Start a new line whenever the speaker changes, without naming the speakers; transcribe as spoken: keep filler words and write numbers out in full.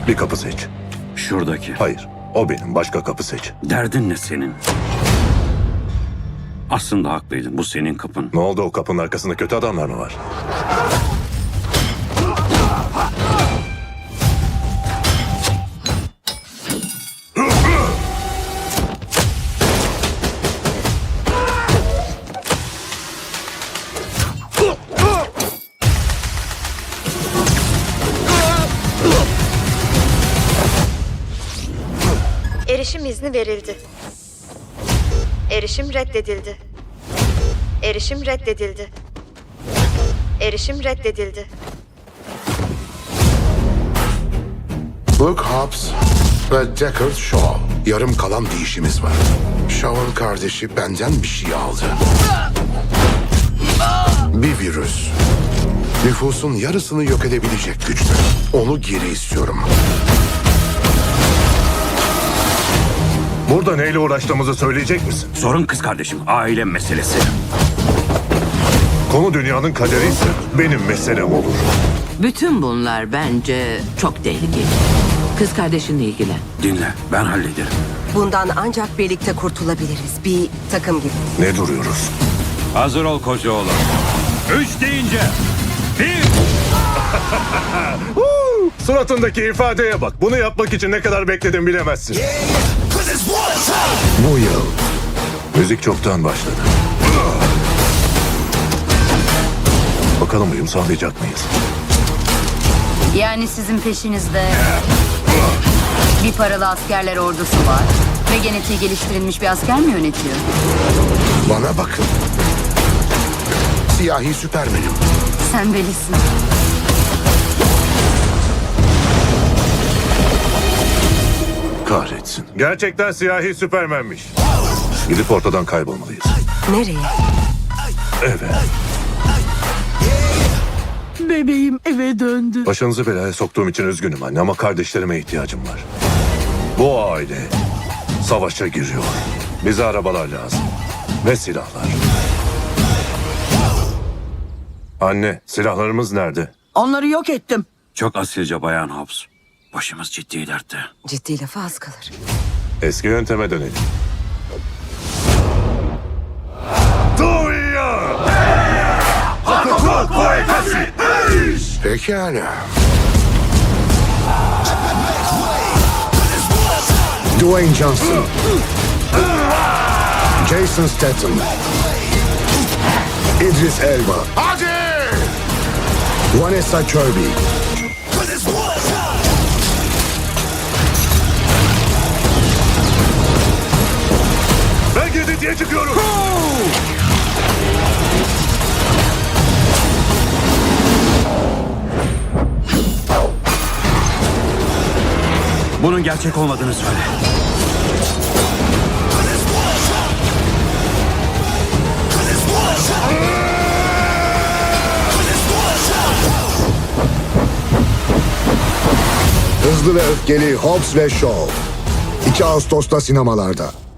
Bir kapı seç.
Şuradaki.
Hayır, o benim. Başka kapı seç.
Derdin ne senin? Aslında haklıydın. Bu senin kapın.
Ne oldu, o kapının arkasında kötü adamlar mı var?
Erişim izni verildi. Erişim reddedildi. Erişim reddedildi. Erişim reddedildi.
Luke Hobbs ve Deckard Shaw. Yarım kalan bir işimiz var. Shaw'ın kardeşi benden bir şey aldı. Bir virüs. Nüfusun yarısını yok edebilecek güçte. Onu geri istiyorum.
Burada neyle uğraştığımızı söyleyecek misin?
Sorun kız kardeşim. Aile meselesi.
Konu dünyanın kaderi ise benim meselem olur.
Bütün bunlar bence çok tehlikeli. Kız kardeşinle ilgilen.
Dinle. Ben hallederim.
Bundan ancak birlikte kurtulabiliriz. Bir takım gibi.
Ne duruyoruz?
Hazır ol koca oğlum. Üç deyince. Bir.
Suratındaki ifadeye bak. Bunu yapmak için ne kadar bekledim bilemezsin. Bu yıl müzik çoktan başladı. Bakalım uyum sağlayacak mıyız?
Yani sizin peşinizde bir paralı askerler ordusu var ve genetiği geliştirilmiş bir asker mi yönetiyor?
Bana bakın. Siyahi Süpermen'im.
Sen delisin.
Kahretsin. Gerçekten siyahi Süpermen'miş. Gidip ortadan kaybolmalıyız.
Nereye?
Evet.
Bebeğim eve döndü.
Başınızı belaya soktuğum için üzgünüm anne ama kardeşlerime ihtiyacım var. Bu aile savaşa giriyor. Bize arabalar lazım. Ve silahlar. Anne, silahlarımız nerede?
Onları yok ettim.
Çok asilce Bayan Hobbs. Başımız ciddi dertte.
Ciddi lafa az kalır.
Eski yönteme dönelim. Duyuyor!
Pekala. Dwayne Johnson. Jason Statham. Idris Elba. Hadi! Vanessa Kirby.
Ben girdi diye çıkıyorum.
Bunun gerçek olmadığını söyle.
Hızlı ve Öfkeli Hobbs ve Shaw. iki Ağustos'ta sinemalarda.